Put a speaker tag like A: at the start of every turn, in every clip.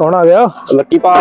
A: कौन आ गया?
B: लक्की पा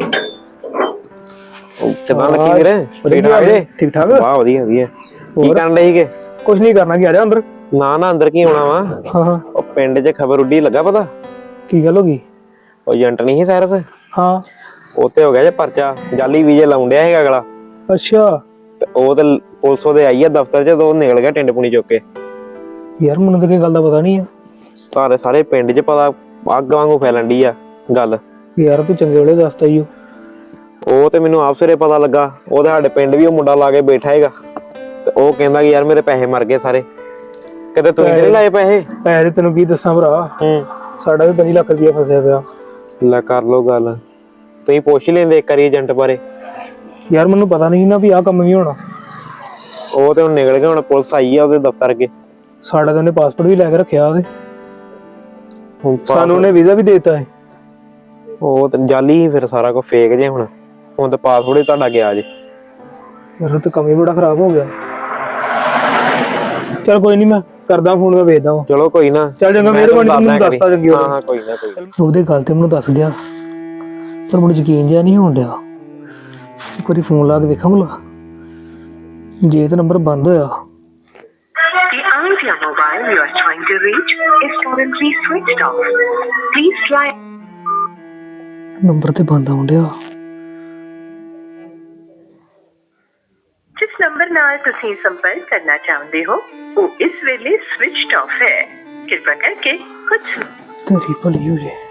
B: कितना लक्की मेरे
A: ठीक ठाक
B: वाह वधिया वधिया की करन डे सीगे
A: कुछ नहीं करना कि आ जा अंदर
B: ना ना अंदर की होना वा
A: हां
B: ओ पिंड च खबर उड्डी लगा पता
A: की गल होगी
B: ओ एजेंट नहीं सारस
A: हां
B: ओते हो गया जे परचा जाली वीजे लाउंडिया हैगा अगला
A: अच्छा
B: ते ओ ते पुलिस ओदे आई है दफ्तर च तो निकल गया टिंड पुनी चुक के
A: यार मैनू तो गल दा पता नहीं है
B: सारे पिंड च पता अग वांगू फैलन डी आ गल
A: यार तू चंगे वेले दसता ही
B: ਉਹ ਤੇ ਮੈਨੂੰ ਆਪ ਸਿਰੇ ਪਤਾ ਲੱਗਾ ਉਹਦੇ ਸਾਡੇ ਪਿੰਡ ਵੀ ਉਹ ਮੁੰਡਾ ਲਾ ਕੇ ਬੈਠਾ ਹੈਗਾ ਤੇ ਉਹ ਕਹਿੰਦਾ ਕਿ ਯਾਰ ਮੇਰੇ ਪੈਸੇ ਮਰ ਗਏ ਸਾਰੇ ਕਿਤੇ ਤੂੰ ਨਹੀਂ ਲਾਏ ਪੈਸੇ
A: ਤੈਨੂੰ ਕੀ ਦੱਸਾਂ ਭਰਾ ਸਾਡਾ ਵੀ 5 ਲੱਖ ਰੁਪਇਆ ਫਸਿਆ ਪਿਆ
B: ਲੈ ਕਰ ਲੋ ਗੱਲ ਤੁਸੀਂ ਪੁੱਛ ਲੈਂਦੇ ਇੱਕ ਵਾਰੀ ਏਜੰਟ ਬਾਰੇ
A: ਯਾਰ ਮੈਨੂੰ ਪਤਾ ਨਹੀਂ ਨਾ ਵੀ ਆਹ ਕੰਮ ਵੀ ਹੋਣਾ
B: ਉਹ ਤੇ ਹੁਣ ਨਿਕਲ ਗਿਆ ਹੁਣ ਪੁਲਿਸ ਆਈ ਆ ਉਹਦੇ ਦਫ਼ਤਰ ਅੱਗੇ
A: ਸਾਡਾ ਤਾਂ ਉਹਨੇ ਪਾਸਪੋਰਟ ਵੀ ਲੈ ਕੇ ਰੱਖਿਆ ਉਹਦੇ ਸਾਨੂੰ ਉਹਨੇ ਵੀਜ਼ਾ ਵੀ ਦੇ ਦਿੱਤਾ ਹੈ
B: ਉਹ ਤੇ ਜਾਲੀ ਫਿਰ ਸਾਰਾ ਕੁਝ ਫੇਕ ਜੇ ਹੁਣ ਤਾਂ ਪਾਸਪੋਰਟ ਹੀ ਤੁਹਾਡਾ ਗਿਆ ਜੇ
A: ਯਾਰ ਤੇ ਕੰਮ ਹੀ ਬੜਾ ਖਰਾਬ ਹੋ ਗਿਆ ਚਲ ਕੋਈ ਨਹੀਂ ਮੈਂ ਕਰਦਾ ਫੋਨ ਮੈਂ ਵੇਚਦਾ
B: ਚਲੋ ਕੋਈ ਨਾ
A: ਚੱਲ ਚੰਗਾ ਮਿਹਰਬਾਨੀ ਮੈਨੂੰ ਦੱਸਤਾ ਚੰਗੀ
B: ਹਾਂ ਹਾਂ ਕੋਈ ਨਾ
A: ਉਹਦੇ ਗੱਲ ਤੇ ਮੈਨੂੰ ਦੱਸ ਗਿਆ ਪਰ ਮੈਨੂੰ ਯਕੀਨ ਜਿਹਾ ਨਹੀਂ ਹੋਣ ਡਿਆ ਇੱਕ ਵਾਰੀ ਫੋਨ ਲਾ ਕੇ ਵੇਖਾਂ ਭਲਾ ਜੇ ਤੇ ਨੰਬਰ ਬੰਦ ਹੋਇਆ
C: The mobile you are trying to reach is currently switched off. Please try.
A: Number ਤੇ ਬੰਦ ਆਉਣ ਡਿਆ
C: जिस नंबर नाल तुसीं संपर्क करना चाहते हो वो इस वेले switched off है कृपा करके कुछ
A: तेरी भली हो जाए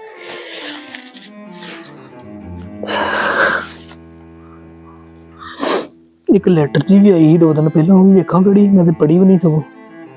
A: एक लैटर जी भी आई 2 दिन पहले वो वेखा कड़ी मैं तो पढ़ी भी नहीं सकूं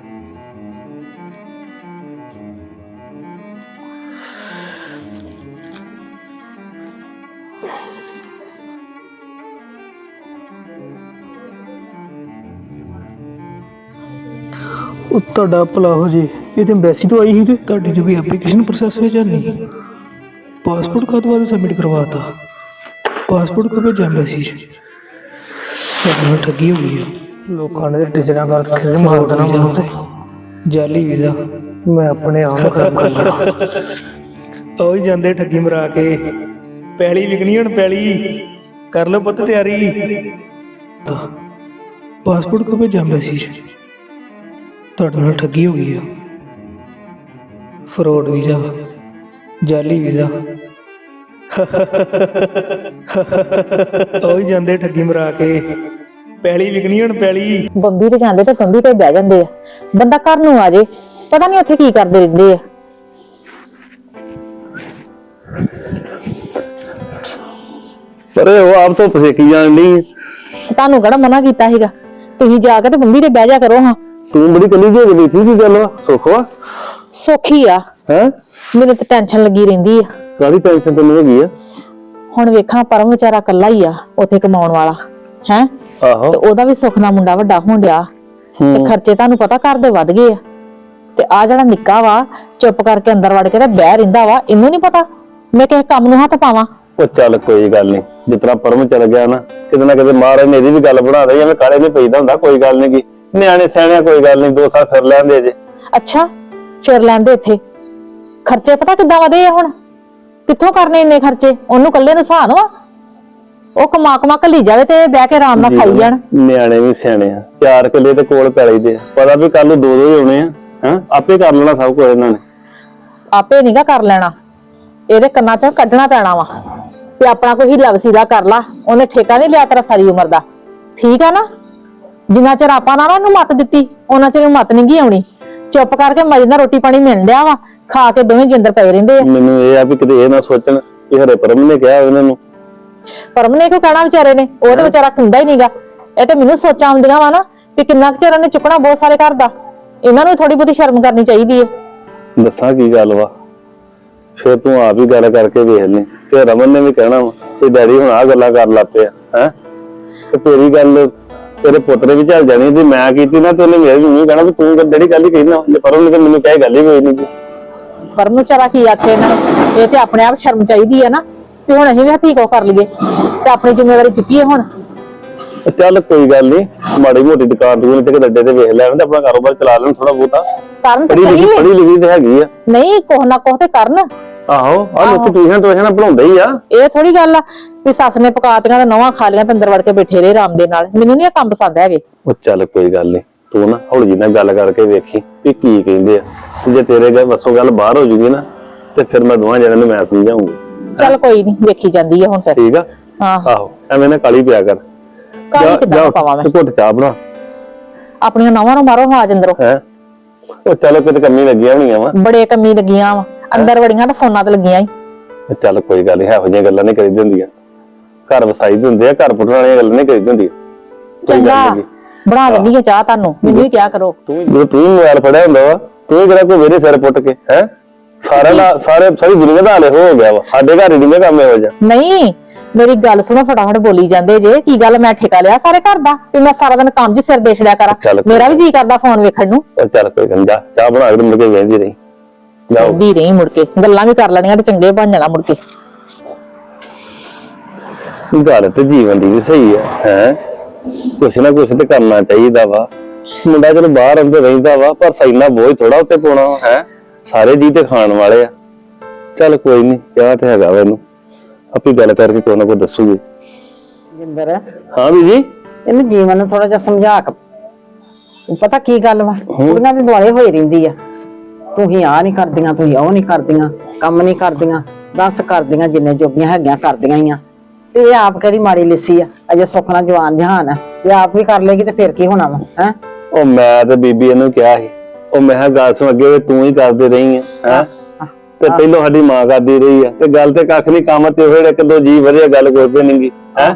A: ਤੁਹਾਡਾ ਭਲਾ ਹੋ ਜੇ ਇਹ ਤੇ ਐਮਬੈਸੀ ਤੋਂ ਆਈ ਸੀ ਤੇ ਤੁਹਾਡੀ ਜੋ ਵੀ ਐਪਲੀਕੇਸ਼ਨ ਪ੍ਰੋਸੈਸ ਵਿੱਚ ਨਹੀਂ ਪਾਸਪੋਰਟ ਕਦ ਬਾਅਦ ਸਬਮਿਟ ਕਰਵਾਤਾ ਪਾਸਪੋਰਟ ਕੋ ਭੇਜਿਆ ਐਮਬੈਸੀ ਚ ਤੁਹਾਡੀ ਠੱਗੀ ਹੋ ਗਈ ਲੋਕਾਂ ਨੇ ਟੀਚਰਾਂ ਕਰ ਰੱਖੇ ਮਾਰ ਦੇਣਾ ਮੈਨੂੰ ਤੇ ਜਾਲੀ ਵੀਜ਼ਾ ਮੈਂ ਆਪਣੇ ਆਪ ਨੂੰ ਖਰਾਬ ਕਰ ਲਿਆ ਉਹ ਹੀ ਜਾਂਦੇ ਠੱਗੀ ਮਰਾ ਕੇ ਪੈਲੀ ਵਿਕਣੀ ਹੁਣ ਪੈਲੀ ਕਰ ਲਓ ਪੁੱਤ ਤਿਆਰੀ ਪਾਸਪੋਰਟ ਕੋ ਭੇਜਿਆ ਐਮਬੈਸੀ ਚ ਤੁਹਾਡੇ ਨਾਲ ਠੱਗੀ ਹੋ ਗਈ ਆ ਫਰੋਡ ਵੀਜ਼ਾ ਜਾਲੀ ਵੀਜ਼ਾ ਉਹ ਹੀ ਜਾਂਦੇ ਠੱਗੀ ਮਰਾ ਕੇ ਪੈਲੀ ਵਿਕਣੀ ਹੁਣ ਪੈਲੀ
D: ਬੰਬੀ ਤੇ ਜਾਂਦੇ ਤੇ ਬੰਬੀ ਤੇ ਬਹਿ ਜਾਂਦੇ ਆ ਬੰਦਾ ਘਰ ਨੂੰ ਆ ਜੇ ਪਤਾ ਨਹੀਂ ਉੱਥੇ ਕੀ ਕਰਦੇ ਰਹਿੰਦੇ ਆ
E: ਪਰ ਉਹ ਆਪ ਤੋਂ ਪਸੇਕੀ ਜਾਣ ਲਈ
D: ਤੁਹਾਨੂੰ ਕਿਹੜਾ ਮਨਾ ਕੀਤਾ ਸੀਗਾ ਤੁਸੀਂ ਜਾ ਕੇ ਤੇ ਬੰਬੀ ਤੇ ਬਹਿ ਜਾ ਕਰੋ ਹਾਂ
E: ਤੂੰ ਬੜੀ ਕਲੀ ਜਿਹੀ ਗਈ ਸੀ ਕੀ ਗੱਲ ਵਾ ਸੁੱਖ ਵਾ
D: ਸੌਖੀ ਆ
E: ਹੈ
D: ਮੈਨੂੰ ਤੇ ਟੈਨਸ਼ਨ ਲੱਗੀ ਰਹਿੰਦੀ ਆ
E: ਕਾਹਦੀ ਟੈਨਸ਼ਨ ਤੈਨੂੰ ਹੈਗੀ ਆ
D: ਹੁਣ ਵੇਖਾਂ ਪਰਮ ਵਿਚਾਰਾ ਕੱਲਾ ਹੀ ਆ ਉੱਥੇ ਕਮਾਉਣ ਵਾਲਾ ਹੈ
E: ਆਹੋ
D: ਤੇ ਉਹਦਾ ਵੀ ਸੁੱਖ ਨਾਲ ਮੁੰਡਾ ਵੱਡਾ ਹੋਣ ਡਿਆ ਤੇ ਖਰਚੇ ਤੁਹਾਨੂੰ ਪਤਾ ਘਰ ਦੇ ਵੱਧ ਗਏ ਆ ਤੇ ਆ ਜਿਹੜਾ ਨਿੱਕਾ ਵਾ ਚੁੱਪ ਕਰਕੇ ਅੰਦਰ ਵੜ ਕੇ ਤੇ ਬਹਿ ਰਹਿੰਦਾ ਵਾ ਇਹਨੂੰ ਨਹੀਂ ਪਤਾ ਮੈਂ ਕਿਸੇ ਕੰਮ ਨੂੰ ਹੱਥ ਪਾਵਾਂ
E: ਉਹ ਚੱਲ ਕੋਈ ਗੱਲ ਨਹੀਂ ਜਿਤਨਾ ਪਰਮ ਚੱਲ ਗਿਆ ਨਾ ਕਿਤੇ ਨਾ ਕਿਤੇ ਮਹਾਰਾਜ ਨੇ ਇਹਦੀ ਵੀ ਗੱਲ ਬਣਾ ਦੇ ਐਵੇਂ ਕਾਲੇ ਨਹੀਂ ਪਈਦਾ ਹੁੰਦਾ ਕੋਈ ਗੱਲ ਨਹੀਂ ਕੀ ਨਿਆਣੇ ਸਿਆਣਿਆ ਕੋਈ ਗੱਲ ਨਹੀਂ 2 ਸਾਲ ਫਿਰ ਲੈਂਦੇ ਜੇ
D: ਅੱਛਾ ਫਿਰ ਲੈਂਦੇ ਇੱਥੇ ਖਰਚੇ ਪਤਾ ਕਿੱਦਾਂ ਵਧੇ ਆ ਹੁਣ ਕਿੱਥੋਂ ਕਰਨੇ ਇੰਨੇ ਖਰਚੇ ਉਹਨੂੰ ਕੱਲੇ ਨੂੰ ਸਹਾਨ ਵਾ ਉਹ ਕਮਾ ਘੱਲੀ ਜਾਵੇ ਤੇ ਬਹਿ ਕੇ ਆਰਾਮ ਨਾਲ ਖਾਈ ਜਾਣ
E: ਨਿਆਣੇ ਵੀ ਸਿਆਣੇ ਆ 4 ਕਿੱਲੇ ਤੇ ਕੋਲ ਪੈ ਲਈਦੇ ਆ ਪਤਾ ਵੀ ਕੱਲ ਨੂੰ 2 ਹੀ ਆਉਣੇ ਆ ਹਾਂ ਆਪੇ ਕਰ ਲੈਣਾ ਸਭ ਕੁਝ ਇਹਨਾਂ ਨੇ
D: ਆਪੇ ਨੀਗਾ ਕਰ ਲੈਣਾ ਇਹਦੇ ਕੰਨਾਂ ਚੋਂ ਕੱਢਣਾ ਪੈਣਾ ਵਾ ਤੇ ਆਪਣਾ ਕੋਈ ਹੀਲਾ ਵਸੀਲਾ ਕਰ ਲਾ ਉਹਨੇ ਠੇਕਾ ਨਹੀਂ ਲਿਆ ਤੇਰਾ ਸਾਰੀ ਉਮਰ ਦਾ ਠੀਕ ਆ ਨਾ ਜਿੰਨਾ ਚਿਰ ਆਪਾਂ ਨਾ ਉਹਨੂੰ ਮੱਤ ਦਿੱਤੀ ਉਹਨਾਂ ਚਿਰ ਮੱਤ ਨਹੀਂ ਗਈ ਆਉਣੀ ਚੁੱਪ ਕਰਕੇ ਮਜੇ ਨਾਲ ਰੋਟੀ ਪਾਣੀ ਮਿਲ ਲਿਆ ਵਾ ਖਾ ਕੇ ਦੋਵੇਂ ਜਿੰਦਰ ਪਏ ਰਹਿੰਦੇ ਆ
E: ਮੈਨੂੰ ਇਹ ਆ ਵੀ ਕਿਤੇ ਇਹ ਨਾ ਸੋਚਣ ਕਿ ਹਰੇ ਪਰਮ ਨੇ ਕਿਹਾ ਉਹਨਾਂ ਨੂੰ
D: ਪਰਮ ਨੇ ਕਿਉਂ ਕਹਿਣਾ ਵਿਚਾਰੇ ਨੇ ਉਹ ਤੇ ਵਿਚਾਰਾ ਹੁੰਦਾ ਹੀ ਨਹੀਂਗਾ ਇਹ ਤੇ ਮੈਨੂੰ ਸੋਚਾਂ ਆਉਂਦੀਆਂ ਵਾ ਨਾ ਵੀ ਕਿੰਨਾ ਕੁ ਚਿਰ ਉਹਨੇ ਚੁੱਕਣਾ ਬਹੁਤ ਸਾਰੇ ਘਰ ਦਾ ਇਹਨਾਂ ਨੂੰ ਥੋੜੀ ਬਹੁਤੀ ਸ਼ਰਮ ਕਰਨੀ ਚਾਹੀਦੀ ਹੈ
E: ਦੱਸਾਂ ਕੀ ਗੱਲ ਵਾ ਫਿਰ ਤੂੰ ਆਪ ਹੀ ਗੱਲ ਕਰਕੇ ਵੇਖ ਲੈ ਤੇ ਰਮਨ ਨੇ ਵੀ ਕਹਿਣਾ ਵਾ ਕਿ ਡੈਡੀ ਹੁਣ ਆ ਗੱਲਾਂ ਕਰਨ ਲੱਗ ਪਿਆ ਹੈ ਤੇ ਤੇਰੀ ਗੱਲ ਤੇਰੇ ਪੁੱਤਰੇ ਵੀ ਚੱਲ ਜਾਣੀ ਤੇ ਮੈਂ ਕੀਤੀ ਨਾ ਤੇ ਉਹਨੇ ਮੇਰੇ ਨੂੰ ਕਹਿਣਾ ਵੀ ਤੂੰ ਡੈਡੀ ਗੱਲ ਹੀ ਕਹਿਣਾ ਜੇ ਪਰਮ ਨੇ ਤੇ ਮੈਨੂੰ ਕਹੇ ਗੱਲ ਹੀ ਕੋਈ ਨਹੀਂ
D: ਪਰਮ ਨੂੰ ਵਿਚਾਰਾ ਕੀ ਆਖੇ ਇਹਨਾਂ ਨੂੰ ਇਹ ਤੇ ਆਪਣੇ ਆਪ ਸ਼ਰਮ ਚਾਹੀਦੀ ਹੈ ਨਾ ਵੀ ਹੁਣ ਅਸੀਂ ਵੀ ਹੱਥੀ ਕੋ ਕਰ ਲਈਏ ਤੇ ਆਪਣੀ ਜ਼ਿੰਮੇਵਾਰੀ ਚੁੱਕੀਏ ਹੁਣ
E: ਚੱਲ ਕੋਈ ਗੱਲ ਨਹੀਂ ਮਾੜੀ ਮੋਟੀ ਦੁਕਾਨ ਦੂਰ ਤੇ ਅੱਡੇ ਤੇ ਵੇਖ ਲੈਣ ਤੇ ਆਪਣਾ ਕਾਰੋਬਾਰ ਚਲਾ ਲੈਣ ਥੋੜਾ ਬਹੁਤਾ
D: ਕਰਨ
E: ਪੜੀ ਲਿਖੀ ਤੇ ਹੈਗੀ ਆ
D: ਨਹੀਂ ਕੋਹ ਨਾ ਕੋਹ ਤੇ ਕਰਨ
E: ਆਹੋ ਆ ਲੋਕ ਟਿਊਸ਼ਨ ਪੜਾਉਂਦੇ ਹੀ ਆ।
D: ਇਹ ਥੋੜੀ ਗੱਲ ਆ ਵੀ ਸੱਸ ਨੇ ਪਕਾਤੀਆਂ ਤੇ ਨਵਾਂ ਖਾ ਲੀਆਂ ਤੇ ਅੰਦਰ ਵੜ ਕੇ ਬੈਠੇ ਰਹੇ ਆਰਾਮ ਦੇ ਨਾਲ। ਮੈਨੂੰ ਨੀ ਇਹ ਕੰਮ ਪਸੰਦ ਹੈਗੇ।
E: ਉਹ ਚੱਲ ਕੋਈ ਗੱਲ ਨਹੀਂ, ਤੂੰ ਨਾ ਹੌਲੀ ਜਿਹੀ ਨਾਲ ਗੱਲ ਕਰਕੇ ਵੇਖੀ ਵੀ ਕੀ ਕਹਿੰਦੇ ਆ, ਤੇ ਜੇ ਤੇਰੇ ਗੱਲ ਵੱਸੋਂ ਗੱਲ ਬਾਹਰ ਹੋ ਜੂਗੀ ਨਾ ਤੇ ਫਿਰ ਮੈਂ ਦੋਵਾਂ ਜਣਿਆਂ ਨੂੰ ਮੈਂ ਸਮਝਾਉਂਗੀ।
D: ਚੱਲ ਕੋਈ ਨਹੀਂ, ਵੇਖੀ ਜਾਂਦੀ ਆ ਹੁਣ ਫਿਰ।
E: ਠੀਕ ਆ?
D: ਹਾਂ
E: ਆਹੋ ਐਵੇਂ ਨਾ ਕਾਲੀ ਪਿਆ ਕਰ।
D: ਕਾਲੀ ਕਿੱਦਾਂ ਪਾਵਾਂ ਮੈਂ?
E: ਘੁੱਟ ਚਾਹ ਬਣਾ
D: ਆਪਣੀਆਂ ਨਵਾਂ ਨੂੰ ਮਾਰੋ ਆਵਾਜ਼ ਅੰਦਰੋਂ।
E: ਹੈ। ਉਹ ਚਲੋ ਕਿਤੇ ਕੰਮੀ ਲੱਗੀਆਂ ਹੋਣੀਆਂ ਵਾ।
D: ਬੜੇ ਕੰਮੀ ਲੱਗੀਆਂ ਵਾ, ਅੰਦਰ ਵੜੀਆਂ ਤੇ ਫੋਨਾਂ ਤੇ ਲੱਗੀਆਂ ਹੀ।
E: ਚੱਲ ਕੋਈ ਗੱਲ ਨਹੀਂ, ਇਹੋ ਜਿਹੀਆਂ ਗੱਲਾਂ ਨਹੀਂ ਕਰੀਦੀ ਹੁੰਦੀਆਂ। ਘਰ ਵਸਾਈ ਦੇ ਹੁੰਦੇ ਆ, ਘਰ ਪੁੱਟਣ ਵਾਲੀਆਂ ਗੱਲਾਂ ਨਹੀਂ ਕਰੀਦੀ ਹੁੰਦੀਆਂ।
D: ਚੰਗਾ ਬਣਾ ਦਿੰਦੀ ਆ ਚਾਹ ਤੁਹਾਨੂੰ, ਮੈਨੂੰ ਵੀ ਕਿਹਾ ਕਰੋ।
E: ਤੂੰ ਮੋਬਾਈਲ ਫੜਿਆ ਹੁੰਦਾ ਵਾ, ਤੂੰ ਕਿਹੜਾ ਕੋਈ ਮੇਰੇ ਸਿਰ ਪੁੱਟ ਕੇ ਹੈ ਸਾਰੀ ਦੁਨੀਆ ਦਾ ਹਾਲੇ ਹੋ ਗਿਆ ਵਾ। ਸਾਡੇ ਘਰ ਹੀ ਨਹੀਂ ਕੰਮ ਇਹੋ ਜਿਹਾ।
D: ਨਹੀਂ ਮੇਰੀ ਗੱਲ ਸੁਣੋ, ਫਟਾਫਟ ਬੋਲੀ ਜਾਂਦੇ ਜੇ। ਕੀ ਗੱਲ ਮੈਂ ਠੇਕਾ ਲਿਆ ਸਾਰੇ ਘਰ ਦਾ ਵੀ ਮੈਂ ਸਾਰਾ ਦਿਨ ਕੰਮ 'ਚ ਸਿਰ ਦੇ ਛੜਿਆ ਕਰਾਂ? ਮੇਰਾ ਵੀ ਜੀ ਕਰਦਾ ਫੋਨ ਵੇਖਣ ਨੂੰ।
E: ਚੱਲ ਕੋਈ ਗੱਲ ਨੀ, ਜਾ ਚਾਹ ਬਣਾ ਕੇ ਮੁੜ ਕੇ ਵੇਂਦੀ ਰਹੀ।
D: ਜਾਂਦੀ ਰਹੀ, ਮੁੜ ਕੇ ਗੱਲਾਂ ਵੀ ਕਰ ਲੈਣੀਆਂ ਤੇ ਚੰਗੇ ਬਣ ਜਾਣਾ ਮੁੜ ਕੇ।
E: ਗੱਲ ਤੇ ਜੀਵਨ ਦੀ ਵੀ ਸਹੀ ਹੈ ਕੁਛ ਨਾ ਕੁਛ ਤੇ ਕਰਨਾ ਚਾਹੀਦਾ ਵਾ। ਮੁੰਡਾ ਚਲੋ ਬਾਹਰ ਅੰਦਰ ਰਹਿੰਦਾ ਵਾ, ਪਰ ਸੈਨਾ ਬੋਝ ਥੋੜਾ ਉੱਤੇ ਪਾਉਣਾ ਹੈ। ਸਾਰੇ ਜੀ ਤੇ ਖਾਣ ਵਾਲੇ ਆ। ਚੱਲ ਕੋਈ ਨੀ, ਕਿਹਾ ਤੇ ਹੈਗਾ ਵਾ ਇਹਨੂੰ, ਆਪੇ ਗੱਲ ਕਰਕੇ ਕੋਈ ਨਾ ਕੋਈ ਦੱਸੂਗੀ।
F: ਜਿੰਦਰ
E: ਹਾਂ ਵੀ ਜੀ,
F: ਇਹਨੂੰ ਜੀਵਨ ਨੂੰ ਥੋੜਾ ਜਿਹਾ ਸਮਝਾ ਕੇ। ਪਤਾ ਕੀ ਗੱਲ ਵਾ, ਕੁੜੀਆਂ ਦੇ ਦੁਆਲੇ ਹੋਈ ਰਹਿੰਦੀ ਆ। ਤੂੰ ਹੀ ਆ ਨਹੀਂ ਕਰਦੀਆਂ, ਤੂੰ ਉਹ ਨਹੀਂ ਕਰਦੀਆਂ, ਕੰਮ ਨਹੀਂ ਕਰਦੀਆਂ, ਦੱਸ ਕਰਦੀਆਂ ਜਿੰਨੇ ਜੋਗੀਆਂ ਹੈਗੀਆਂ ਕਰਦੀਆਂ ਹੀ ਆ। ਤੇ ਇਹ ਆਪ ਕਿਹੜੀ ਮਾੜੀ ਲਿੱਸੀ ਆ, ਅਜੇ ਸੁੱਖ ਨਾਲ ਜਵਾਨ ਜਹਾਨ ਆ। ਤੇ ਆਪ ਵੀ ਕਰ ਲੇਗੀ ਤੇ ਫਿਰ ਕੀ ਹੋਣਾ ਵਾ ਹੈ।
E: ਉਹ ਮੈਂ ਤੇ ਬੀਬੀ ਇਹਨੂੰ ਕਿਹਾ ਸੀ, ਉਹ ਮੈਂ ਕਿਹਾ ਗੱਲ ਸੁਣ, ਅੱਗੇ ਤੂੰ ਹੀ ਕਰਦੇ ਰਹੀ ਹੈ ਤੇ ਪਹਿਲੋਂ ਸਾਡੀ ਮਾਂ ਕਰਦੀ ਰਹੀ ਆ, ਤੇ ਗੱਲ ਤੇ ਕੱਖ ਨਹੀਂ, ਕੰਮ ਤੇ ਹੋਏ ਇੱਕ ਦੋ ਜੀ ਵਧੀਆ, ਗੱਲ ਕੋਈ ਵੀ ਨਹੀਂਗੀ ਹੈ।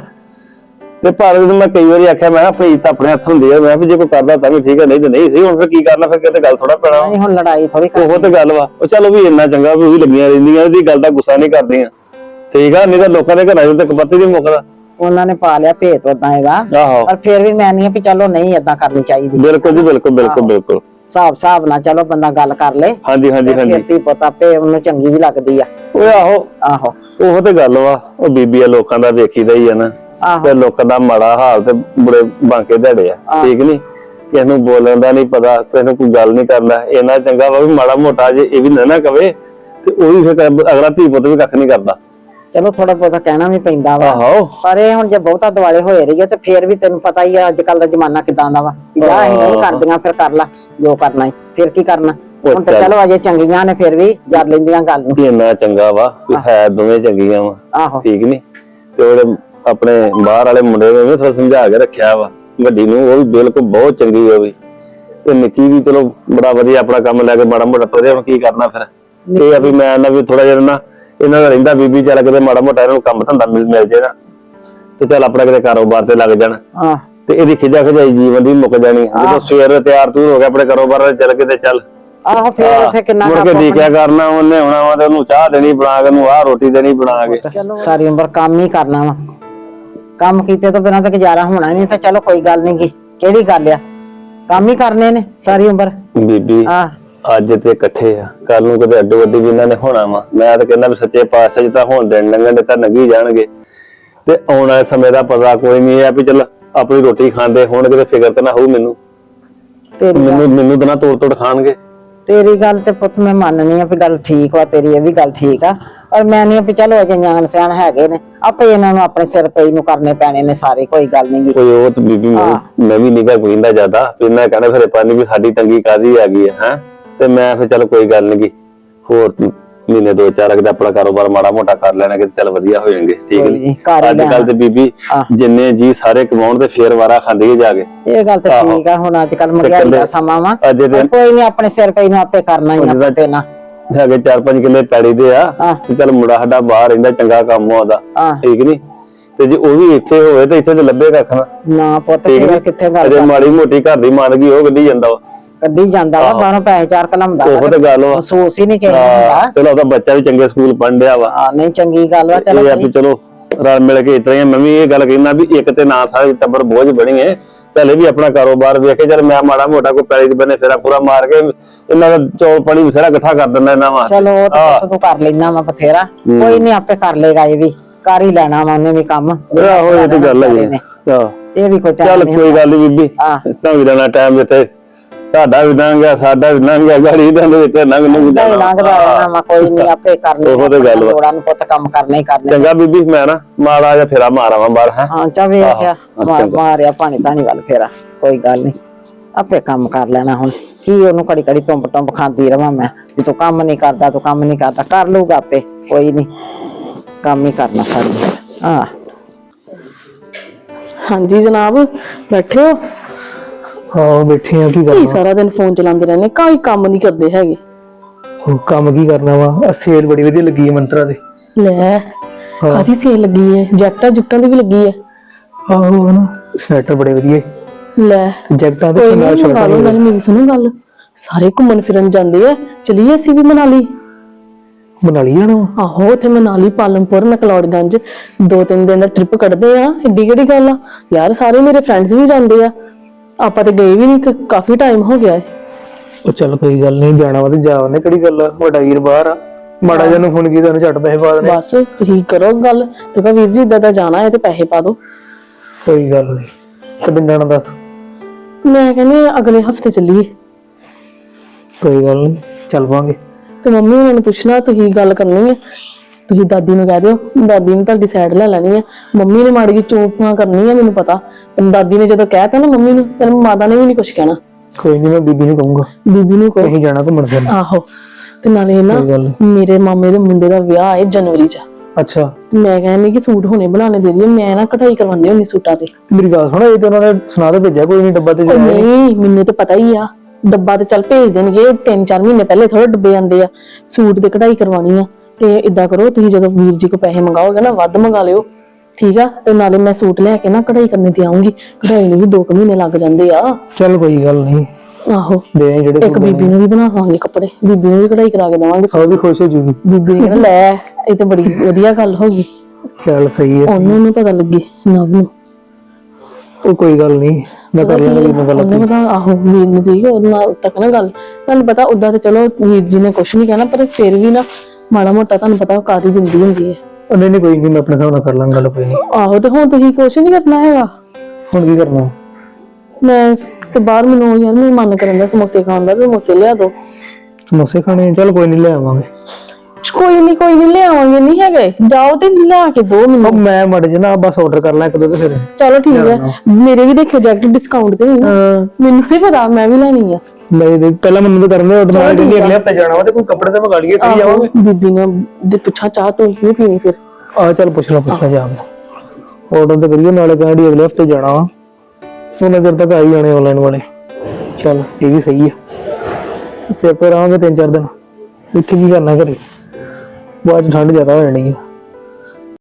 E: ਤੇ ਪਰ ਮੈਂ ਕਈ ਵਾਰੀ ਆਖਿਆ, ਮੈਂ ਕਿਹਾ ਭਈ ਤਾਂ ਆਪਣੇ ਹੱਥ ਹੁੰਦੀ ਆ, ਮੈਂ ਵੀ ਜੇ ਕੋਈ ਕਰਦਾ ਤਾਂ ਵੀ ਠੀਕ ਹੈ, ਨਹੀਂ ਤੇ ਨਹੀਂ ਸੀ। ਹੁਣ ਫਿਰ ਕੀ ਕਰਨਾ, ਫਿਰ ਕਿਤੇ ਗੱਲ ਥੋੜਾ ਪੈਣਾ।
F: ਨਹੀਂ ਹੁਣ ਲੜਾਈ ਥੋੜੀ
E: ਉਹ ਤੇ ਗੱਲ ਵਾ। ਉਹ ਚਲੋ ਵੀ ਇੰਨਾ ਚੰਗਾ ਵੀ ਉਹ ਵੀ ਲੱਗੀਆਂ ਰਹਿੰਦੀਆਂ, ਇਹਦੀ ਗੱਲ ਦਾ ਗੁੱਸਾ ਨਹੀਂ ਕਰਦੀਆਂ। ਠੀਕ ਆ, ਨਹੀਂ ਤਾਂ ਲੋਕਾਂ ਦੇ ਘਰਾਂ ਚ ਕਪੱਤੀ ਨਹੀਂ ਮੁੱਕਦਾ।
F: ਉਹਨਾਂ ਨੇ ਪਾ ਲਿਆ ਭੇਤ ਉਦਾਂ ਹੈਗਾ,
E: ਆਹੋ
F: ਪਰ ਫਿਰ ਵੀ ਮੈਂ ਨਹੀਂ ਵੀ ਚਲੋ ਨਹੀਂ ਏਦਾਂ ਕਰਨੀ ਚਾਹੀਦੀ।
E: ਬਿਲਕੁਲ ਜੀ, ਬਿਲਕੁਲ ਬਿਲਕੁਲ ਬਿਲਕੁਲ।
F: ਹਿਸਾਬ ਨਾਲ ਚਲੋ ਬੰਦਾ ਗੱਲ ਕਰ ਲੇ।
E: ਹਾਂਜੀ ਹਾਂਜੀ ਹਾਂਜੀ।
F: ਫਿਰ ਪਤਾ ਪੇ ਉਹਨੂੰ ਚੰਗੀ ਵੀ ਲੱਗਦੀ ਆ।
E: ਓਏ ਆਹੋ
F: ਆਹੋ
E: ਉਹ ਤੇ ਗੱਲ ਵਾ। ਉਹ ਬੀਬੀ ਆ, ਲੋਕਾਂ ਦਾ ਵੇਖੀਦਾ ਹੀ ਆ ਨਾ, ਤੇ ਲੋਕਾਂ ਦਾ ਮਾੜਾ ਹਾਲ ਤੇ ਬੜੇ ਬਾਂਕੇ ਧੜੇ ਆ। ਠੀਕ ਨੀ, ਕਿਸੇ ਨੂੰ ਬੋਲਣ ਦਾ ਨਹੀਂ ਪਤਾ, ਕਿਸੇ ਨੂੰ ਕੋਈ ਗੱਲ ਨਹੀਂ ਕਰਦਾ। ਇੰਨਾ ਚੰਗਾ ਵਾ ਵੀ ਮਾੜਾ ਮੋਟਾ ਜੇ ਇਹ ਵੀ ਨਾ ਕਵੇ ਤੇ ਉਹ ਵੀ ਫਿਰ ਅਗਲਾ ਧੀ ਪੁੱਤ ਵੀ ਕੱਖ ਨਹੀਂ ਕਰਦਾ।
F: ਚਲੋ ਥੋੜਾ ਬਹੁਤਾ ਕਹਿਣਾ ਵੀ ਪੈਂਦਾ ਵਾ।
E: ਆਹੋ
F: ਪਰ ਇਹ ਹੁਣ ਜੇ ਬਹੁਤਾ ਦੁਆਲੇ ਹੋਏ ਰਹੀ ਹੈ ਤੇ ਫੇਰ ਵੀ ਤੈਨੂੰ ਪਤਾ ਹੀ ਆ ਅੱਜ ਕੱਲ ਦਾ ਜ਼ਮਾਨਾ ਕਿਦਾਂ ਦਾ ਵਾ। ਜਾਂ ਅਸੀਂ ਨਹੀਂ ਕਰਦੀਆਂ ਫਿਰ ਕਰ ਲਾ ਜੋ ਕਰਨਾ ਹੈ, ਫਿਰ ਕੀ ਕਰਨਾ। ਹੁਣ ਤਾਂ ਚਲੋ ਅਜੇ ਚੰਗੀਆਂ ਨੇ, ਫਿਰ ਵੀ ਜਰ ਲੈਂਦੀਆਂ ਗੱਲ ਨੂੰ।
E: ਇੰਨਾ ਚੰਗਾ ਵਾ ਵੀ ਹੈ ਦੋਵੇਂ ਚੰਗੀਆਂ ਵਾ।
F: ਆਹੋ
E: ਠੀਕ ਨੀ, ਤੇ ਉਹਦੇ ਆਪਣੇ ਬਾਹਰ ਵਾਲੇ ਮੁੰਡੇ ਨੂੰ ਵੀ ਥੋੜਾ ਸਮਝਾ ਕੇ ਰੱਖਿਆ ਵਾ। ਵੱਡੀ ਨੂੰ ਉਹ ਵੀ ਬਿਲਕੁਲ ਬਹੁਤ ਚੰਗੀ ਉਹ ਵੀ, ਤੇ ਨਿੱਕੀ ਵੀ ਚਲੋ ਬੜਾ ਵਧੀਆ ਆਪਣਾ ਕੰਮ ਲੈ ਕੇ ਮਾੜਾ ਮੋਟਾ ਤੋਰਿਆ। ਹੁਣ ਕੀ ਕਰਨਾ ਫਿਰ, ਇਹ ਆ ਵੀ ਮੈਂ ਨਾ ਵੀ ਥੋੜਾ ਜਿਹਾ ਨਾ ਇਹਨਾਂ ਦਾ ਰਹਿੰਦਾ ਬੀਬੀ, ਚੱਲ ਕਿਤੇ ਮਾੜਾ ਮੋਟਾ ਇਹਨਾਂ ਨੂੰ ਕੰਮ ਧੰਦਾ ਮਿਲ ਜੇ ਨਾ, ਤੇ ਚੱਲ ਆਪਣਾ ਕਿਤੇ ਕਾਰੋਬਾਰ ਤੇ ਲੱਗ ਜਾਣ। ਤੇ ਇਹਦੀ ਖਿਜਾ ਖਜਾਈ ਜੀਵਨ ਦੀ ਮੁੱਕ ਜਾਣੀ। ਜਦੋਂ ਸਵੇਰ ਤਿਆਰ ਤੂਰ ਹੋ ਗਿਆ ਆਪਣੇ ਕਾਰੋਬਾਰ ਤੇ ਚੱਲ ਕਿਤੇ ਚੱਲ।
F: ਆਹੋ ਫਿਰ ਉੱਥੇ ਕਿੰਨਾ
E: ਮੁੜ ਕੇ ਦੇਖਿਆ ਕਰਨਾ ਉਹਨੇ ਹੋਣਾ ਵਾ, ਤੇ ਉਹਨੂੰ ਚਾਹ ਦੇਣੀ ਬਣਾ ਕੇ, ਉਹਨੂੰ ਆਹ ਰੋਟੀ ਦੇਣੀ ਬਣਾ ਕੇ।
F: ਸਾਰੀ ਉਮਰ ਕੰਮ ਹੀ ਕਰਨਾ ਵਾ। ਕੰਮ ਕੀਤੇ ਤੋਂ ਬਿਨਾਂ ਤਾਂ ਗੁਜ਼ਾਰਾ ਹੋਣਾ ਨਹੀਂ। ਤਾਂ ਚਲੋ ਕੋਈ ਗੱਲ ਨੀ ਗੀ, ਕਿਹੜੀ ਗੱਲ ਆ, ਕੰਮ ਹੀ ਕਰਨੇ ਨੇ ਸਾਰੀ ਉਮਰ।
E: ਬੀਬੀ ਅੱਜ ਤੇ ਇਕੱਠੇ ਆ, ਕੱਲ ਨੂੰ ਕਦੇ ਅੱਡੋ ਅੱਡੀ ਵੀ ਇਹਨਾਂ ਨੇ ਹੋਣਾ ਵਾ। ਮੈਂ ਤਾਂ ਕਹਿੰਦਾ ਵੀ ਸੱਚੇ ਪਾਤਸ਼ਾਹ ਜੀ ਤਾਂ ਹੁਣ ਦਿਨ ਲੰਘਣ ਦੇ ਤਾਂ ਲੰਘੀ ਜਾਣਗੇ, ਤੇ ਆਉਣ ਵਾਲੇ ਸਮੇਂ ਦਾ ਪਤਾ ਕੋਈ ਨਹੀਂ ਆ ਵੀ ਚੱਲ ਆਪਣੀ ਰੋਟੀ ਖਾਂਦੇ ਹੋਣਗੇ ਤੇ ਫਿਕਰ ਤਾਂ ਨਾ ਹੋਊ ਮੈਨੂੰ ਤਾਂ ਨਾ ਤੋੜ ਖਾਣਗੇ।
F: ਤੇਰੀ ਗੱਲ ਤੇ ਪੁੱਤ ਮੈਂ ਮੰਨਨੀ ਆ ਵੀ ਗੱਲ ਠੀਕ ਵਾ ਤੇਰੀ, ਇਹ ਵੀ ਗੱਲ ਠੀਕ ਆ। ਪਰ ਮੈਂ ਨਹੀਂ ਵੀ ਚਲੋ ਅਜੇ ਨਿਆਣ ਸਿਆਣ ਹੈਗੇ ਨੇ, ਆਪੇ ਇਹਨਾਂ ਨੂੰ ਆਪਣੇ ਸਿਰ ਪਈ ਨੂੰ ਕਰਨੇ ਪੈਣੇ ਨੇ ਸਾਰੇ। ਕੋਈ ਗੱਲ ਨਹੀਂ
E: ਕੋਈ ਉਹ ਤਾਂ ਬੀਬੀ ਮੈਂ ਵੀ ਨਿਗਾ ਕੋਇੰਦਾ ਜ਼ਿਆਦਾ ਫਿਰ ਮੈਂ ਕਹਿੰਦਾ ਫਿਰ ਪਾਣੀ ਵੀ ਸਾਡੀ ਤੰਗੀ ਕਾਦੀ ਆ ਗਈ ਹੈ। ਤੇ ਮੈਂ ਫਿਰ ਚੱਲ ਕੋਈ ਗੱਲ ਨਹੀਂ, ਹੋਰ ਮਹੀਨੇ ਦੋ ਚਾਰ ਅਗਰ ਆਪਣਾ ਕਾਰੋਬਾਰ ਮਾੜਾ ਮੋਟਾ ਕਰ ਲੈਣਾ ਕਿ ਚੱਲ ਵਧੀਆ ਹੋ ਜਾਣਗੇ। ਠੀਕ ਨੀ, ਅੱਜ ਕੱਲ ਤੇ ਬੀਬੀ ਜਿੰਨੇ ਜੀ ਸਾਰੇ ਕਮਾਉਣ ਤੇ ਫੇਰ ਵਾਰਾ ਖਾਂਦੇ ਜਾ ਕੇ। ਇਹ ਗੱਲ ਤੇ ਠੀਕ ਆ, ਹੁਣ ਅੱਜ ਕੱਲ ਮਹਿੰਗਾਈ ਦਾ ਸਮਾਂ ਵਾ, ਕੋਈ ਨਹੀਂ ਆਪਣੇ ਸਿਰ ਪਈ ਨੂੰ ਆਪੇ ਕਰਨਾ ਹੀ ਆ। ਤੇ ਨਾ ਹੈਗੇ 4-5 ਕਿੱਲੇ ਪੈੜੀ ਦੇ ਆ, ਤੇ ਚੱਲ ਮੁੰਡਾ ਸਾਡਾ ਬਾਹਰ ਰਹਿੰਦਾ, ਚੰਗਾ ਕੰਮ ਉਹਦਾ। ਠੀਕ ਨੀ, ਤੇ ਜੇ ਉਹ ਵੀ ਇੱਥੇ ਹੋਵੇ ਤਾਂ ਇੱਥੇ ਤੇ ਲੱਭੇ ਕੱਖ ਨਾ ਪੁੱਤ। ਕਿੱਥੇ ਗੱਲ ਮਾੜੀ ਮੋਟੀ ਘਰ ਦੀ ਮਾਨਗੀ ਉਹ ਕੱਢੀ ਜਾਂਦਾ ਵਾ, ਕੱਢੀ ਜਾਂਦਾ ਵਾ ਬਾਹਰੋਂ ਪੈਸੇ ਚਾਰ ਕਲਮਦਾ। ਉਹ ਤੇ ਗੱਲ ਵਾ, ਮਹਿਸੂਸ ਹੀ ਨਹੀਂ ਕੀਤਾ। ਚਲੋ ਉਹਦਾ ਬੱਚਾ ਵੀ ਚੰਗੇ ਸਕੂਲ ਪੜ੍ਹਨ ਡਿਆ ਵਾ। ਨਹੀਂ ਚੰਗੀ ਗੱਲ ਵਾ। ਚਲੋ ਰਲ ਮਿਲ ਕੇ ਇਤਨਾ ਹੀ। ਮੈਂ ਵੀ ਇਹ ਗੱਲ ਕਹਿੰਦਾ ਵੀ ਇੱਕ ਤੇ ਨਾ ਸਾਰੇ ਟੱਬਰ ਬੋਝ ਬਣੀਏ, ਚੱਲੇ ਵੀ ਆਪਣਾ ਕਾਰੋਬਾਰ ਵੇਖੇ। ਚੱਲ ਮੈਂ ਮਾੜਾ ਮੋਟਾ ਕੋਈ ਪੈਲੀ ਦੇ ਬੰਨੇ ਫੇਰਾ ਪੂਰਾ ਮਾਰ ਕੇ ਇਹਨਾਂ ਦਾ ਚੌਲ ਪਾਣੀ ਬਥੇਰਾ ਇਕੱਠਾ ਕਰ ਦਿੰਦਾ ਇਹਨਾਂ ਵਾ। ਚਲੋ ਉਹ ਤਾਂ ਤੂੰ ਕਰ ਲੈਣਾ ਵਾ ਬਥੇਰਾ, ਕੋਈ ਨਹੀਂ ਆਪੇ ਕਰ ਲੇਗਾ। ਇਹ ਵੀ ਕਰ ਹੀ ਲੈਣਾ ਵਾ ਉਹਨੇ ਵੀ ਕੰਮ। ਆਹੋ ਇਹ ਤੇ ਗੱਲ ਹੈ। ਇਹ ਵੀ ਕੋਈ ਚੱਲ ਕੋਈ ਗੱਲ ਨਹੀਂ ਬੀਬੀ, ਤਾਂ ਵੀ ਲੈਣਾ ਟਾਈਮ ਦਿੱਤੇ ਤੁਹਾਡਾ ਵੀ ਲੰਘ ਗਿਆ, ਸਾਡਾ ਵੀ ਲੰਘ ਗਿਆ, ਗਾੜੀ ਦਾ ਵਿੱਚ ਲੰਘ ਨੂੰ
F: ਨਹੀਂ ਲੰਘਦਾ ਰਹਿਣਾ ਵਾ, ਕੋਈ ਨਹੀਂ ਆਪੇ ਕਰਨੇ
E: ਉਹੋ ਤੇ ਗੱਲ ਵਾ।
F: ਲੋੜਾਂ ਨੂੰ ਪੁੱਤ ਕੰਮ ਕਰਨੇ ਹੀ ਕਰਨੇ।
E: ਚੰਗਾ ਬੀਬੀ, ਮੈਂ ਨਾ ਮਾੜਾ ਜਿਹਾ ਫੇਰਾ ਮਾਰਾਵਾਂ ਬਾਹਰ ਹੈ।
F: ਹਾਂ ਚਾ ਵੇਖਿਆ
E: ਆਹੋ, ਚੰਗਾ।
F: ਮਾਰਿਆ ਪਾਣੀ ਧਾਣੀ ਵੱਲ ਫੇਰਾ, ਕੋਈ ਗੱਲ ਨਹੀਂ ਆਪੇ ਕੰਮ ਕਰ ਲੈਣਾ। ਹੁਣ ਕੀ ਉਹਨੂੰ ਘੜੀ ਘੜੀ ਟੁੰਬ ਖਾਂਦੀ ਰਵਾਂ ਮੈਂ ਵੀ ਤੂੰ ਕੰਮ ਨਹੀਂ ਕਰਦਾ, ਤੂੰ ਕੰਮ ਨਹੀਂ ਕਰਦਾ, ਕਰ ਲੂਗਾ ਆਪੇ, ਕੋਈ ਨਹੀਂ ਕੰਮ ਹੀ ਕਰਨਾ ਸਾਡੀ। ਹਾਂ
G: ਹਾਂਜੀ ਜਨਾਬ, ਬੈਠੇ ਹੋ?
A: ਹਾਂ ਬੈਠੇ ਆ, ਕੀ
G: ਕੀ
A: ਕਰਨਾ?
G: ਸਾਰਾ ਦਿਨ ਫੋਨ ਚਲਾਉਂਦੇ ਰਹਿੰਦੇ, ਕੋਈ ਕੰਮ ਨਹੀਂ ਕਰਦੇ ਹੈਗੇ।
A: ਹੁਣ ਕੰਮ ਕੀ ਕਰਨਾ ਵਾ? ਸੇਲ ਬੜੀ ਵਧੀਆ ਲੱਗੀ ਹੈ ਮੰਤਰਾ ਦੇ।
G: ਲੈ ਕਾਦੀ ਸੇਲ ਲੱਗੀ ਹੈ? ਜੈਕਟਾਂ ਜੁਕਟਾਂ ਦੀ ਵੀ ਲੱਗੀ ਹੈ।
A: ਆਹੋ ਨਾ, ਸਵੈਟਰ ਬੜੇ ਵਧੀਆ
G: ਲੈ
A: ਜੈਕਟਾਂ ਤੇ
G: ਕੋਈ
A: ਨਾਲ
G: ਨਹੀਂ,
A: ਸ਼ਰਟਾਂ
G: ਨਾਲ ਮੇਰੀ ਸੁਣੋ ਗੱਲ, ਸਾਰੇ ਘੁੰਮਣ ਫਿਰਨ ਜਾਂਦੇ ਆ, ਚਲੀਏ ਅਸੀਂ ਵੀ ਮਨਾਲੀ।
A: ਬਣਾ ਲਈ ਜਾਣਾ ਵਾ।
G: ਆਹੋ ਉੱਥੇ ਮਨਾਲੀ, ਪਾਲਮਪੁਰ, ਮੈਕਲੋਡਗੰਜ 2-3 ਦਿਨ ਦਾ ਟ੍ਰਿਪ ਕੱਢਦੇ ਆ, ਏਡੀ ਕਿਹੜੀ ਗੱਲ ਆ ਯਾਰ। ਸਾਰੇ ਮੇਰੇ ਫਰੈਂਡਸ ਵੀ ਜਾਂਦੇ ਆ, ਆਪਾਂ ਤੇ ਗਏ ਵੀ ਨਹੀਂ, ਕਾਫੀ ਟਾਈਮ ਹੋ ਗਿਆ ਹੈ।
A: ਉਹ ਚੱਲ ਕੋਈ ਗੱਲ ਨਹੀਂ, ਜਾਣਾ ਵਾ ਤੇ ਜਾਵਨੇ, ਕਿਹੜੀ ਗੱਲ ਆ, ਵੱਡਾ ਵੀਰ ਬਾਹਰ ਆ, ਮਾੜਾ ਜਿਹਾ ਨੂੰ ਫੋਨ ਕੀਤਾ ਉਹਨੇ ਝੱਟ ਪੈਸੇ ਪਾ ਦੇਣੇ।
G: ਬਸ ਤੁਸੀਂ ਕਰੋ ਗੱਲ, ਤੂੰ ਕਹ ਵੀਰ ਜੀ ਇਦਾਂ ਦਾ ਜਾਣਾ ਹੈ ਤੇ ਪੈਸੇ ਪਾ ਦਿਓ।
A: ਕੋਈ ਗੱਲ ਨਹੀਂ, ਕਦੋਂ ਜਾਣਾ ਦੱਸ?
G: ਮੈਂ ਕਹਿੰਦੀ ਹਾਂ, ਅਗਲੇ ਹਫਤੇ ਚੱਲੀਏ।
A: ਕੋਈ ਗੱਲ ਨਹੀਂ, ਚੱਲ ਪਾਂਗੇ।
G: ਤੇ ਮੰਮੀ ਉਹਨਾਂ ਨੂੰ ਪੁੱਛਣਾ, ਤੁਸੀਂ ਗੱਲ ਕਰਨੀ ਹੈ, ਤੁਸੀਂ ਦਾਦੀ ਨੂੰ ਕਹਿ ਦਿਓ, ਦਾਦੀ ਨੇ ਤੁਹਾਡੀ ਸਾਈਡ ਲੈ ਲੈਣੀ ਹੈ। ਮੰਮੀ ਨੇ ਮਾੜੀ ਜਿਹੀ ਚੋਪਾਂ ਕਰਨੀ ਹੈ ਮੈਨੂੰ ਪਤਾ, ਪਰ ਦਾਦੀ ਨੇ ਜਦੋਂ ਕਹਿਤਾ ਨਾ ਮੰਮੀ ਨੂੰ, ਫਿਰ ਮਾਤਾ ਨੇ ਵੀ ਨਹੀਂ ਕੁਝ ਕਹਿਣਾ।
A: ਕੋਈ ਨਹੀਂ, ਮੈਂ ਬੀਬੀ ਨੂੰ ਕਹੂੰਗਾ,
G: ਬੀਬੀ ਨੂੰ ਕਹੋ।
A: ਅਸੀਂ ਜਾਣਾ ਘੁੰਮਣ ਫਿਰਨ।
G: ਆਹੋ, ਤੇ ਨਾਲੇ ਨਾ
A: ਕੋਈ ਗੱਲ ਨੀ।
G: ਮੇਰੇ ਮਾਮੇ ਦੇ ਮੁੰਡੇ ਦਾ ਵਿਆਹ ਹੈ ਜਨਵਰੀ 'ਚ।
A: ਅੱਛਾ,
G: ਮੈਂ ਕਹਿੰਦੀ ਕਿ ਸੂਟ ਹੁਣੇ ਬਣਾਉਣੇ ਦੇ ਦਈਏ, ਮੈਂ ਨਾ ਕਢਾਈ ਕਰਵਾਉਂਦੀ ਹੁੰਦੀ ਸੂਟਾਂ ਤੇ।
A: ਮੇਰੀ ਗੱਲ ਸੁਣ, ਇਹ ਤੇ ਉਹਨਾਂ ਨੇ ਸੁਣਾ ਤੇ ਭੇਜਿਆ, ਕੋਈ ਨਹੀਂ ਡੱਬਾ ਤੇ
G: ਉਹ
A: ਜਾਣਾ।
G: ਨਹੀਂ, ਮੈਨੂੰ ਤਾਂ ਪਤਾ ਹੀ ਆ, ਡੱਬਾ ਤੇ ਚੱਲ ਭੇਜ ਦੇਣਗੇ, 3-4 ਮਹੀਨੇ ਪਹਿਲੇ ਥੋੜਾ ਡੱਬੇ ਆਉਂਦੇ ਆ। ਸੂਟ ਤੇ ਕਢਾਈ ਕਰਵਾਉਣੀ ਆ, ਤੇ ਇਦਾਂ ਕਰੋ ਤੁਸੀਂ ਜਦੋਂ ਵੀਰ ਜੀ ਕੋ ਪੈਸੇ ਮੰਗਾਓਗੇ ਨਾ, ਵੱਧ ਮੰਗਾ ਲਿਓ, ਠੀਕ ਆ। ਤੇ ਨਾਲੇ ਮੈਂ ਸੂਟ ਲੈ ਕੇ ਨਾ ਕਢਾਈ ਕਰਨੇ ਤੇ ਆਉਂਗੀ, ਕਢਾਈ ਨੂੰ ਵੀ 2 ਮਹੀਨੇ ਲੱਗ ਜਾਂਦੇ ਆ।
A: ਚੱਲ ਕੋਈ ਗੱਲ ਨਹੀਂ,
G: ਆਹੋ,
A: ਦੇ ਆਈ ਜਿਹੜੇ
G: ਇੱਕ ਬੀਬੀ ਨੂੰ ਵੀ ਬਣਾਵਾਂਗੇ ਕੱਪੜੇ, ਬੀਬੀ ਨੂੰ ਵੀ ਕਢਾਈ ਕਰਾ ਕੇ ਦੇਵਾਂਗੇ।
A: ਸਭ ਵੀ ਖੁਸ਼ ਹੋ ਜੂਗੀ।
G: ਬੀਬੀ ਨੇ ਕਹਿਣਾ ਲੈ, ਇਹ ਤਾਂ ਬੜੀ ਵਧੀਆ ਗੱਲ ਹੋ ਗਈ,
A: ਚੱਲ ਸਹੀ ਹੈ,
G: ਉਹਨੂੰ ਨੀ ਪਤਾ ਲੱਗੇ ਨਵ ਨੂੰ।
A: ਉਹ ਕੋਈ ਗੱਲ ਨਹੀਂ, ਮੈਂ ਕਰ ਲਾਂਗਾ ਵੀਰ ਨਾਲ ਗੱਲ।
G: ਉਹਨੇ ਪਤਾ, ਆਹੋ ਵੀਰ ਨੂੰ ਠੀਕ ਉਹਦੇ ਨਾਲ ਤੱਕ ਨਾ ਗੱਲ, ਤੁਹਾਨੂੰ ਪਤਾ ਉਦਾਂ ਤੇ ਚਲੋ ਵੀਰ ਜੀ ਨੇ ਕੁਛ ਨਹੀਂ ਕਹਿਣਾ, ਪਰ ਫਿਰ ਵੀ ਨਾ ਮਾੜਾ ਮੋਟਾ ਤੁਹਾਨੂੰ ਪਤਾ ਉਹ ਕਰ ਹੀ ਦਿੰਦੀ ਹੁੰਦੀ ਹੈ।
A: ਨਹੀਂ ਨਹੀਂ, ਕੋਈ ਨਹੀਂ, ਮੈਂ ਆਪਣੇ ਹਿਸਾਬ ਨਾਲ ਕਰ ਲਾਂਗਾ ਗੱਲ, ਕੋਈ ਨਹੀਂ।
G: ਆਹੋ, ਤੇ ਹੁਣ ਤੁਸੀਂ ਕੁਛ ਨਹੀਂ ਕਰਨਾ ਹੈਗਾ।
A: ਹੁਣ ਕੀ ਕਰਨਾ?
G: ਮੈਂ ਤੇ ਬਾਹਰ ਮੈਨੂੰ ਯਾਰ ਮੇਰਾ ਮਨ ਕਰਨ ਦਾ ਸਮੋਸੇ ਖਾਣ ਦਾ, ਤੇ ਸਮੋਸੇ ਲਿਆ ਦੋ।
A: ਸਮੋਸੇ ਖਾਣੇ? ਚੱਲ ਕੋਈ ਨਹੀਂ, ਲੈ ਆਵਾਂਗੇ।
G: ਕੋਈ ਨਹੀਂ ਲਿਆਵਾਂਗੇ, ਨਹੀਂ ਹੈਗੇ, ਜਾਓ ਤੇ ਲਿਆ ਕੇ ਦੋ ਮੈਨੂੰ।
A: ਉਹ ਮੈਂ ਮੜ ਜੇ ਨਾ ਬਸ ਆਰਡਰ ਕਰ ਲਾਂ ਇੱਕ ਦੋ ਤੇ ਫਿਰ।
G: ਚਲੋ ਠੀਕ ਹੈ, ਮੇਰੇ ਵੀ ਦੇਖਿਓ ਜੈਕਟ ਡਿਸਕਾਊਂਟ ਤੇ ਹੋਈ ਨਾ, ਮੈਨੂੰ ਨਹੀਂ ਪਤਾ, ਮੈਂ ਵੀ ਲੈਣੀ ਆ।
A: ਨਹੀਂ ਦੇਖ, ਪਹਿਲਾਂ ਮੈਨੂੰ ਤਾਂ ਕਰਨ ਦੇ ਆਰਡਰ, ਮੈਂ ਕਹਿੰਦੀ ਅਗਲੇ ਹਫਤੇ ਜਾਣਾ ਵਾ ਤੇ ਕੋਈ ਕੱਪੜੇ ਤਾਂ ਮੰਗਾ ਲਈਏ, ਫਿਰ ਜਾਵਾਂਗੇ।
G: ਬੀਬੀ ਨੇ ਦੇ ਪੁੱਛਾ ਚਾਹ ਤੋਂ ਨਹੀਂ ਪੀਣੀ ਫਿਰ।
A: ਆ ਚੱਲ ਪੁੱਛ ਲਾ ਜਾਵਾਂਗੇ, ਆਰਡਰ ਤਾਂ ਕਰੀਏ, ਨਾਲੇ ਕਹਿੰਦੀ ਅਗਲੇ ਹਫਤੇ ਜਾਣਾ ਵਾ, ਉਹਨਾਂ ਚਿਰ ਤੱਕ ਆ ਹੀ ਜਾਣੇ ਆਨਲਾਈਨ ਵਾਲੇ। ਚੱਲ ਇਹ ਵੀ ਸਹੀ ਆ, ਫਿਰ ਤਾਂ ਰਹਾਂਗੇ 3-4 ਦਿਨ। ਇੱਥੇ ਕੀ ਕਰਨਾ ਘਰੇ, ਬਾਅਦ ਚ ਠੰਡ ਜ਼ਿਆਦਾ ਹੋ ਜਾਣੀ ਆ।